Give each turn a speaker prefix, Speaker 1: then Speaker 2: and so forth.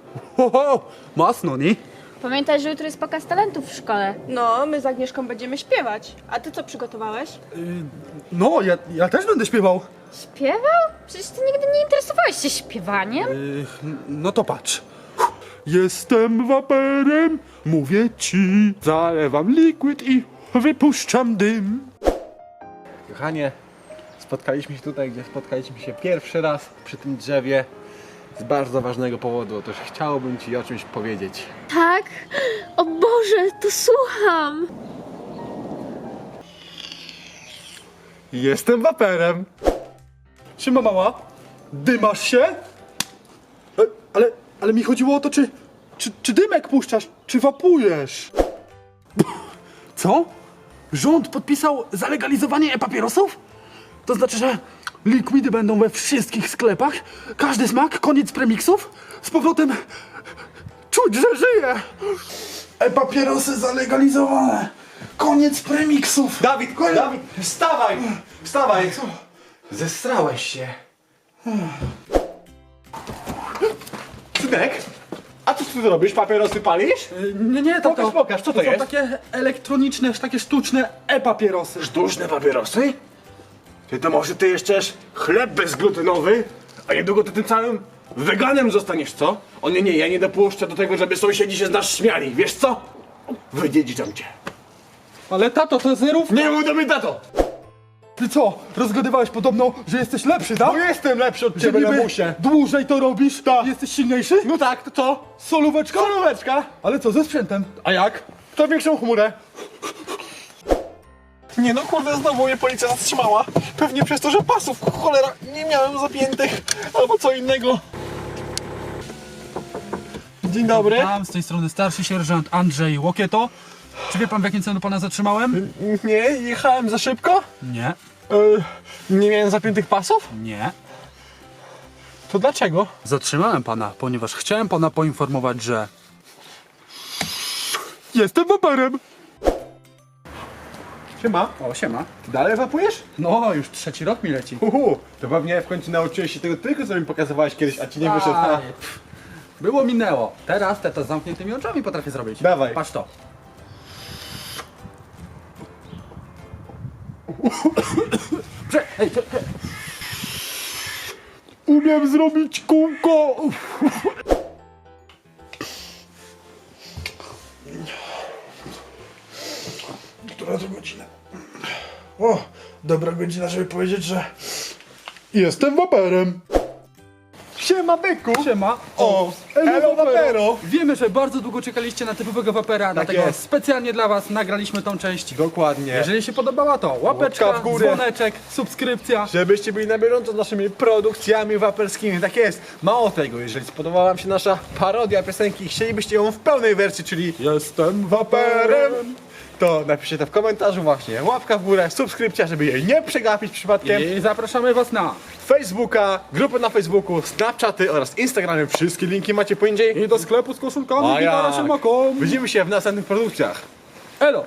Speaker 1: Ho, masno, nie?
Speaker 2: Pamiętaj, że jutro jest pokaz talentów w szkole.
Speaker 3: No, my z Agnieszką będziemy śpiewać. A ty co przygotowałeś?
Speaker 1: No, ja też będę śpiewał.
Speaker 2: Śpiewał? Przecież ty nigdy nie interesowałeś się śpiewaniem.
Speaker 1: No to patrz. Jestem waperem, mówię ci. Zalewam liquid i wypuszczam dym.
Speaker 4: Kochanie, spotkaliśmy się tutaj, gdzie spotkaliśmy się pierwszy raz przy tym drzewie z bardzo ważnego powodu. Otóż chciałbym Ci o czymś powiedzieć.
Speaker 2: Tak? O Boże, to słucham.
Speaker 1: Jestem waperem. Siema mała, dymasz się? Ale mi chodziło o to, czy dymek puszczasz, czy wapujesz? Co? Rząd podpisał zalegalizowanie e-papierosów? To znaczy, że likwidy będą we wszystkich sklepach? Każdy smak, koniec premiksów? Z powrotem czuć, że żyję! E-papierosy zalegalizowane! Koniec premiksów!
Speaker 4: Dawid, wstawaj! Wstawaj! Zestrałeś się. Synek, a co ty robisz? Papierosy palisz?
Speaker 1: Nie, tato.
Speaker 4: Pokaż, co to
Speaker 1: są
Speaker 4: jest?
Speaker 1: takie elektroniczne, takie sztuczne e-papierosy.
Speaker 4: Sztuczne papierosy? To może ty jeszcze chleb bezglutenowy? A niedługo ty tym całym weganem zostaniesz, co? O nie, ja nie dopuszczę do tego, żeby sąsiedzi się z nas śmiali. Wiesz co? Wydziedziczam cię.
Speaker 1: Ale tato, to zerów.
Speaker 4: Nie mów do mnie, tato!
Speaker 1: Ty co? Rozgadywałeś podobno, że jesteś lepszy, tak?
Speaker 4: Bo jestem lepszy od
Speaker 1: Że
Speaker 4: ciebie,
Speaker 1: niby
Speaker 4: lamusie.
Speaker 1: dłużej to robisz,
Speaker 4: Tak.
Speaker 1: jesteś silniejszy?
Speaker 4: No tak, to co?
Speaker 1: Solóweczka?
Speaker 4: Solóweczka.
Speaker 1: Ale co, ze sprzętem?
Speaker 4: A jak? Kto większą chmurę? Nie no kurde, znowu mnie policja zatrzymała. Pewnie przez to, że pasów, cholera, nie miałem zapiętych. Albo co innego. Dzień dobry.
Speaker 1: Tam z tej strony starszy sierżant Andrzej Łokieto. Czy wie pan, w jakim celu pana zatrzymałem?
Speaker 4: Nie, jechałem za szybko.
Speaker 1: Nie,
Speaker 4: Nie miałem zapiętych pasów?
Speaker 1: nie.
Speaker 4: To dlaczego?
Speaker 1: Zatrzymałem pana, ponieważ chciałem pana poinformować, że... Jestem waperem!
Speaker 4: Siema.
Speaker 1: O, siema.
Speaker 4: Ty dalej wapujesz?
Speaker 1: No, już 3. rok mi leci.
Speaker 4: To pewnie w końcu nauczyłeś się tego tylko, co mi pokazywałeś kiedyś, a ci nie wyszedł.
Speaker 1: Aj, pff. Było, minęło. Teraz te to z zamkniętymi oczami potrafię zrobić.
Speaker 4: Dawaj.
Speaker 1: Patrz to. Hej,
Speaker 4: Umiem zrobić kółko.
Speaker 5: Która to godzina? O, dobra godzina, żeby powiedzieć, że jestem waperem.
Speaker 4: Siema, byku.
Speaker 1: Siema.
Speaker 4: O, elo wapero.
Speaker 1: Wiemy, że bardzo długo czekaliście na typowego wapera, dlatego
Speaker 4: jest.
Speaker 1: specjalnie dla was nagraliśmy tą część.
Speaker 4: Dokładnie.
Speaker 1: Jeżeli się podobała, to łapeczka,
Speaker 4: Łapka w górę.
Speaker 1: dzwoneczek, subskrypcja.
Speaker 4: Żebyście byli na bieżąco z naszymi produkcjami waperskimi. Tak jest. Mało tego, jeżeli spodobała wam się nasza parodia piosenki i chcielibyście ją w pełnej wersji, czyli
Speaker 1: Jestem
Speaker 4: waperem, to napiszcie to w komentarzu właśnie. Łapka w górę, subskrypcja, żeby jej nie przegapić przypadkiem.
Speaker 1: I zapraszamy was na...
Speaker 4: Facebooka, grupy na Facebooku, Snapchaty oraz Instagramy. Wszystkie linki macie poniżej.
Speaker 1: I do sklepu z koszulkami
Speaker 4: A
Speaker 1: i na
Speaker 4: jak?
Speaker 1: naszym okom.
Speaker 4: Widzimy się w następnych produkcjach.
Speaker 1: Elo!